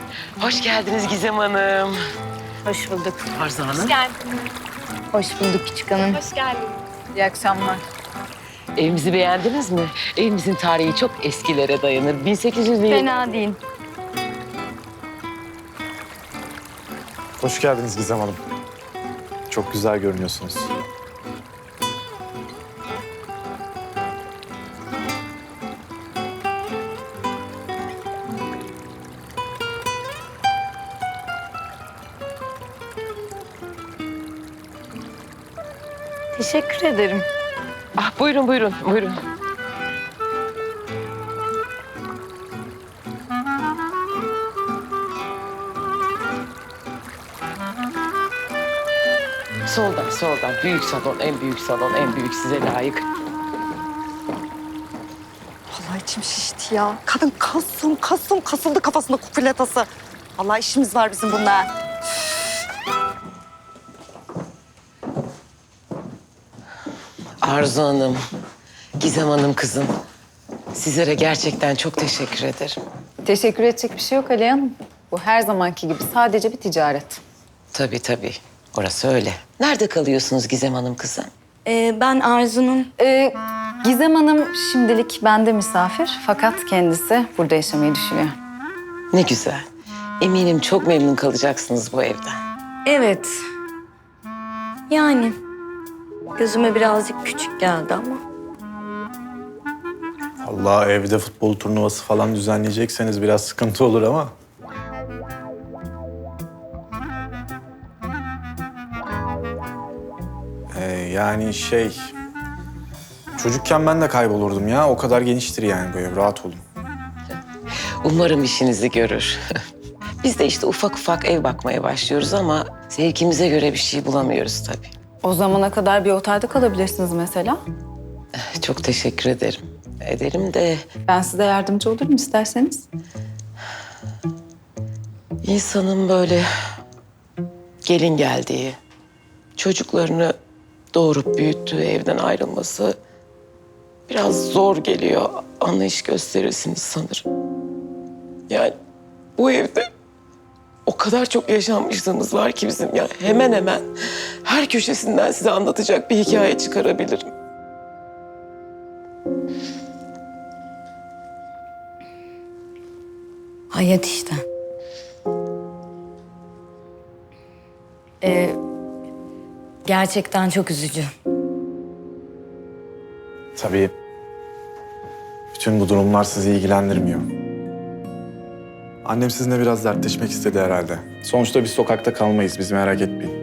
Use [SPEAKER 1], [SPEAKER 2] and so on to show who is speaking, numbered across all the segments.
[SPEAKER 1] Hoş geldiniz Gizem Hanım.
[SPEAKER 2] Hoş bulduk.
[SPEAKER 1] Arzu Hanım.
[SPEAKER 3] Hoş geldin.
[SPEAKER 2] Hoş bulduk küçük hanım.
[SPEAKER 3] Hoş geldin.
[SPEAKER 2] İyi akşamlar.
[SPEAKER 1] Evimizi beğendiniz mi? Evimizin tarihi çok eskilere dayanır. 1800'lü
[SPEAKER 2] Fena değil.
[SPEAKER 4] Hoş geldiniz Gizem Hanım. Çok güzel görünüyorsunuz.
[SPEAKER 2] Teşekkür ederim.
[SPEAKER 1] Ah buyurun buyurun buyurun. Soldan soldan. Büyük salon, en büyük salon, en büyük size layık.
[SPEAKER 5] Vallahi içim şişti ya. Kadın kasıldı kafasında kukuletası. Vallahi işimiz var bizim bununla.
[SPEAKER 1] Arzu Hanım, Gizem Hanım kızım. Sizlere gerçekten çok teşekkür ederim.
[SPEAKER 6] Teşekkür edecek bir şey yok Aliye Hanım. Bu her zamanki gibi sadece bir ticaret.
[SPEAKER 1] Tabii tabii. Orası öyle. Nerede kalıyorsunuz Gizem Hanım kızım?
[SPEAKER 2] Ben Arzu'nun...
[SPEAKER 6] Gizem Hanım şimdilik bende misafir fakat kendisi burada yaşamayı düşünüyor.
[SPEAKER 1] Ne güzel. Eminim çok memnun kalacaksınız bu evden.
[SPEAKER 2] Evet. Yani gözüme birazcık küçük geldi ama.
[SPEAKER 4] Allah evde futbol turnuvası falan düzenleyecekseniz biraz sıkıntı olur ama. Yani çocukken ben de kaybolurdum ya. O kadar geniştir yani bu ev. Rahat olun.
[SPEAKER 1] Umarım işinizi görür. Biz de işte ufak ufak ev bakmaya başlıyoruz ama zevkimize göre bir şey bulamıyoruz tabii.
[SPEAKER 6] O zamana kadar bir otelde kalabilirsiniz mesela.
[SPEAKER 1] Çok teşekkür ederim. Ederim de
[SPEAKER 6] Ben size yardımcı olurum isterseniz.
[SPEAKER 1] insanın böyle gelin geldiği, çocuklarını doğurup büyüttüğü evden ayrılması biraz zor geliyor. Anlayış gösterirsiniz sanırım. Yani bu evde o kadar çok yaşanmışlığımız var ki bizim ya hemen hemen her köşesinden size anlatacak bir hikaye çıkarabilirim.
[SPEAKER 2] Hayat işte. Gerçekten çok üzücü.
[SPEAKER 4] Tabii bütün bu durumlar sizi ilgilendirmiyor. Annem sizinle biraz dertleşmek istedi herhalde. Sonuçta biz sokakta kalmayız. Biz merak etmeyin.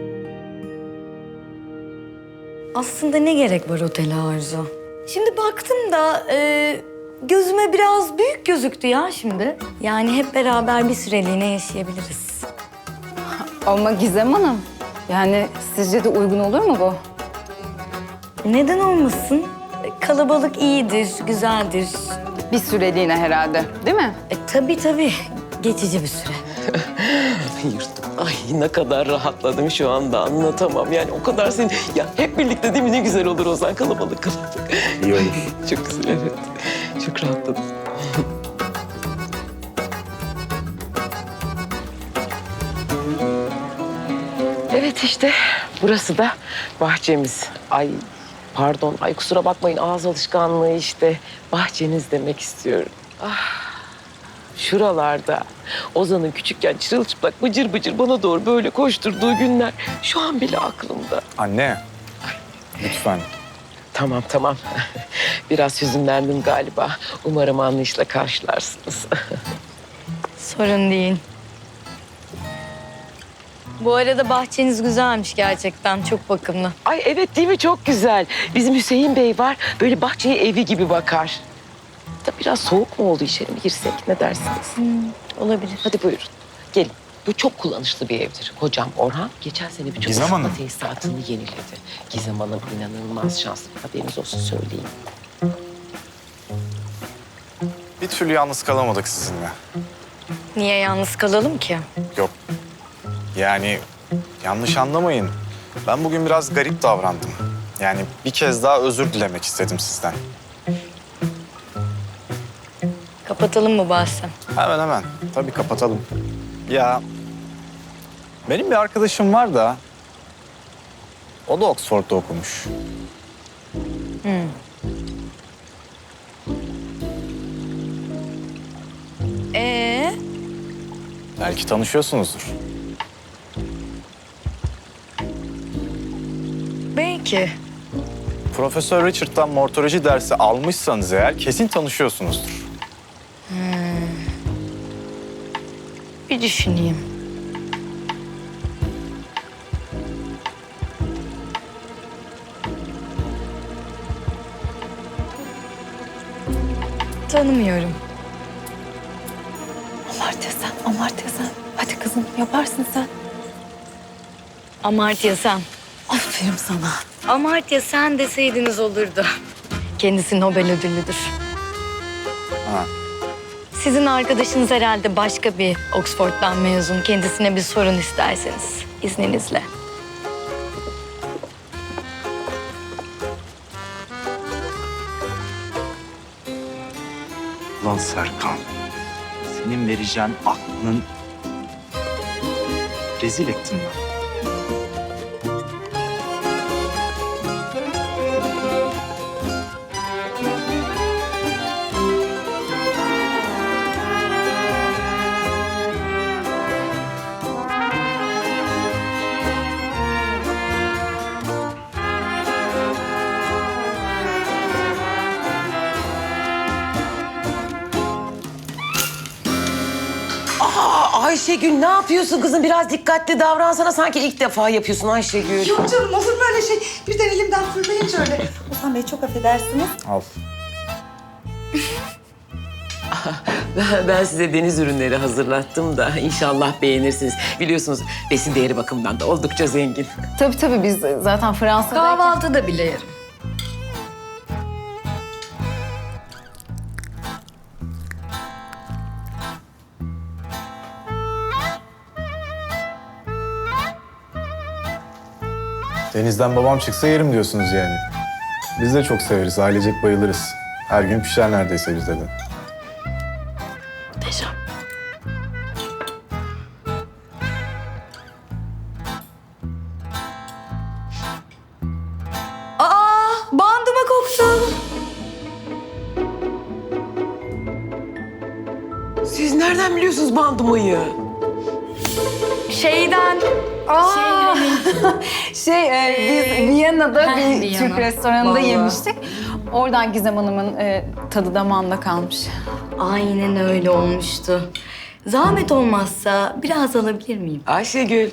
[SPEAKER 2] Aslında ne gerek var otele Arzu? Şimdi baktım da gözüme biraz büyük gözüktü ya şimdi. Yani hep beraber bir süreliğine yaşayabiliriz.
[SPEAKER 6] Ama Gizem Hanım, yani sizce de uygun olur mu bu?
[SPEAKER 2] Neden olmasın? Kalabalık iyidir, güzeldir.
[SPEAKER 6] Bir süreliğine herhalde, değil mi?
[SPEAKER 2] Tabii. Geçici bir süre.
[SPEAKER 1] Yırttım. Ay ne kadar rahatladım şu anda anlatamam. Yani o kadar senin... Ya hep birlikte değil mi ne güzel olur Ozan kalabalık kalabalık.
[SPEAKER 4] İyi olur.
[SPEAKER 1] Çok güzel evet. Çok rahatladım. Evet işte burası da bahçemiz. Ay pardon ay kusura bakmayın ağız alışkanlığı işte. Bahçeniz demek istiyorum. Şuralarda Ozan'ın küçükken çırılçıplak bıcır bıcır bana doğru böyle koşturduğu günler şu an bile aklımda.
[SPEAKER 4] Anne. Lütfen.
[SPEAKER 1] Tamam. Biraz hüzünlendim galiba. Umarım anlayışla karşılarsınız.
[SPEAKER 2] Sorun değil. Bu arada bahçeniz güzelmiş gerçekten. Çok bakımlı.
[SPEAKER 1] Ay evet değil mi? Çok güzel. Bizim Hüseyin Bey var. Böyle bahçeye evi gibi bakar. Da biraz soğuk mu oldu içeri mi girsek? Ne dersiniz?
[SPEAKER 2] Olabilir.
[SPEAKER 1] Hadi buyurun. Gelin. Bu çok kullanışlı bir evdir. Hocam Orhan geçen sene birçok
[SPEAKER 4] Gizem
[SPEAKER 1] ısıtma
[SPEAKER 4] Hanım.
[SPEAKER 1] tesisatını yeniledi. Gizem Hanım inanılmaz şanslı. Haberiniz olsun söyleyeyim.
[SPEAKER 4] Bir türlü yalnız kalamadık sizinle.
[SPEAKER 2] Niye yalnız kalalım ki?
[SPEAKER 4] Yok. Yani yanlış anlamayın. Ben bugün biraz garip davrandım. Yani bir kez daha özür dilemek istedim sizden.
[SPEAKER 2] Kapatalım mı bahsi?
[SPEAKER 4] Hemen. Tabii kapatalım. Ya benim bir arkadaşım var da o da Oxford'da okumuş. Belki tanışıyorsunuzdur.
[SPEAKER 2] Belki.
[SPEAKER 4] Profesör Richard'dan mortoloji dersi almışsanız eğer kesin tanışıyorsunuzdur.
[SPEAKER 2] Bir düşüneyim. Tanımıyorum.
[SPEAKER 6] Amartya sen, Amartya sen. Hadi kızım yaparsın sen.
[SPEAKER 2] Amartya Sen.
[SPEAKER 6] Aferin sana.
[SPEAKER 2] Amartya Sen deseydiniz olurdu. Kendisi Nobel ödüllüdür.
[SPEAKER 4] Ha.
[SPEAKER 2] Sizin arkadaşınız herhalde başka bir Oxford'dan mezun. Kendisine bir sorun isterseniz izninizle.
[SPEAKER 3] Lan Serkan, senin vereceğin aklının rezil ettin lan.
[SPEAKER 1] Ayşegül ne yapıyorsun kızım? Biraz dikkatli davransana. Sanki ilk defa yapıyorsun Ayşegül.
[SPEAKER 5] Yok canım olur mu öyle şey? Birden elimden fırlayınca öyle. Ozan Bey çok affedersiniz.
[SPEAKER 4] Al.
[SPEAKER 1] Ben size deniz ürünleri hazırlattım da inşallah beğenirsiniz. Biliyorsunuz besin değeri bakımından da oldukça zengin.
[SPEAKER 6] Tabii biz zaten Fransa'dayken...
[SPEAKER 2] Kahvaltıda bile yerim.
[SPEAKER 4] Denizden babam çıksa yerim diyorsunuz yani. Biz de çok severiz, ailecek bayılırız. Her gün pişer neredeyse bizde de.
[SPEAKER 1] Muhteşem.
[SPEAKER 2] Bandıma koktu.
[SPEAKER 1] Siz nereden biliyorsunuz bandımayı?
[SPEAKER 2] Şeyden.
[SPEAKER 6] Biz Viyana'da bir
[SPEAKER 2] Viyana.
[SPEAKER 6] Türk restoranında
[SPEAKER 2] Vallahi.
[SPEAKER 6] yemiştik. Oradan Gizem Hanım'ın tadı damağında kalmış.
[SPEAKER 2] Aynen öyle olmuştu. Zahmet olmazsa biraz alabilir miyim?
[SPEAKER 1] Ayşegül.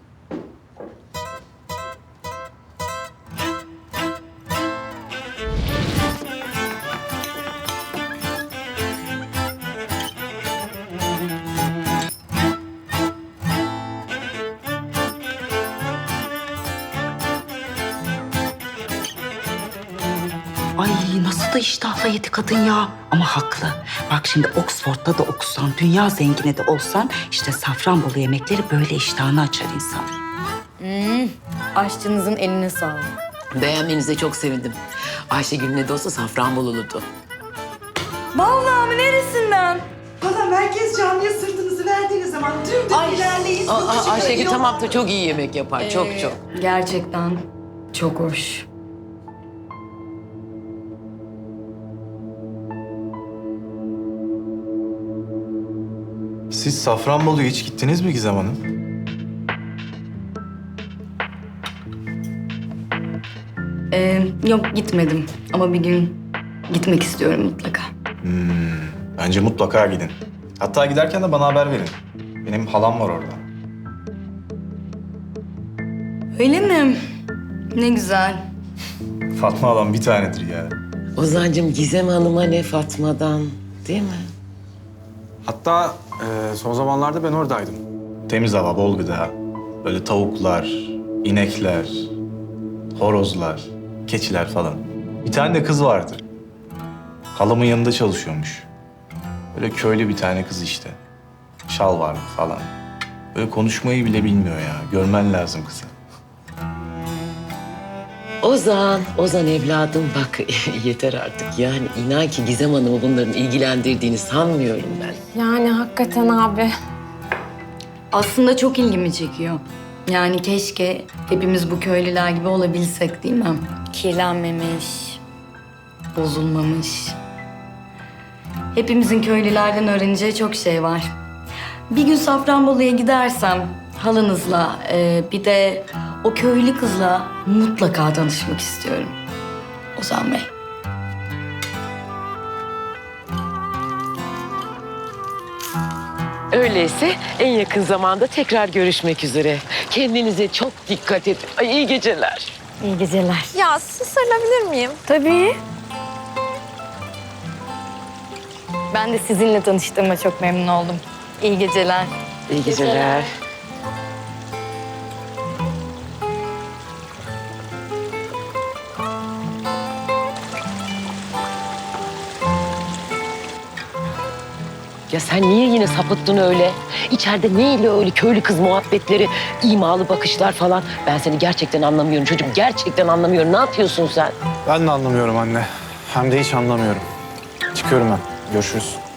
[SPEAKER 7] Ay nasıl da iştahla yedi kadın ya. Ama haklı. Bak şimdi Oxford'da da okusan, dünya zengini de olsan... işte Safranbolu yemekleri böyle iştahını açar insan.
[SPEAKER 2] Aşçınızın eline sağlık.
[SPEAKER 1] Beğenmenize çok sevindim. Ayşegül ne de olsa Safranbolulu'du.
[SPEAKER 2] Vallahi mi neresinden?
[SPEAKER 5] Valla merkez camiye sırtınızı verdiğiniz zaman dümdüz ilerleyin. yokucu
[SPEAKER 1] Ayşegül
[SPEAKER 5] yol-
[SPEAKER 1] tamam da çok iyi yemek yapar. Çok.
[SPEAKER 2] Gerçekten çok hoş.
[SPEAKER 4] Siz Safranbolu'ya hiç gittiniz mi Gizem Hanım?
[SPEAKER 2] Yok gitmedim ama bir gün gitmek istiyorum mutlaka.
[SPEAKER 4] Bence mutlaka gidin. Hatta giderken de bana haber verin. Benim halam var orada.
[SPEAKER 2] Öyle mi? Ne güzel.
[SPEAKER 4] Fatma halam bir tanedir ya.
[SPEAKER 1] Ozancığım Gizem Hanım'a ne Fatma'dan değil mi?
[SPEAKER 4] Hatta son zamanlarda ben oradaydım. Temiz hava, bol gıda. Böyle tavuklar, inekler, horozlar, keçiler falan. Bir tane de kız vardı. Halamın yanında çalışıyormuş. Böyle köylü bir tane kız işte. Şal vardı falan. Böyle konuşmayı bile bilmiyor ya. Görmen lazım kızı.
[SPEAKER 1] Ozan evladım bak yeter artık. Yani inan ki Gizem Hanım'ı bunların ilgilendirdiğini sanmıyorum ben.
[SPEAKER 6] Yani hakikaten abi.
[SPEAKER 2] aslında çok ilgimi çekiyor. Yani keşke hepimiz bu köylüler gibi olabilsek değil mi? Kirlenmemiş, bozulmamış. Hepimizin köylülerden öğreneceği çok şey var. Bir gün Safranbolu'ya gidersem halanızla bir de o köylü kızla mutlaka tanışmak istiyorum. Ozan Bey.
[SPEAKER 1] Öyleyse en yakın zamanda tekrar görüşmek üzere. Kendinize çok dikkat edin. Ay, iyi geceler.
[SPEAKER 2] İyi geceler.
[SPEAKER 8] Ya siz sarılabilir miyim?
[SPEAKER 2] Tabii. Ben de sizinle tanıştığıma çok memnun oldum. İyi geceler.
[SPEAKER 1] İyi geceler. Ya sen niye yine sapıttın öyle? İçeride neyle öyle köylü kız muhabbetleri, imalı bakışlar falan? Ben seni gerçekten anlamıyorum çocuğum. Gerçekten anlamıyorum. Ne yapıyorsun sen?
[SPEAKER 4] Ben de anlamıyorum anne. Hem de hiç anlamıyorum. Çıkıyorum ben. Görüşürüz.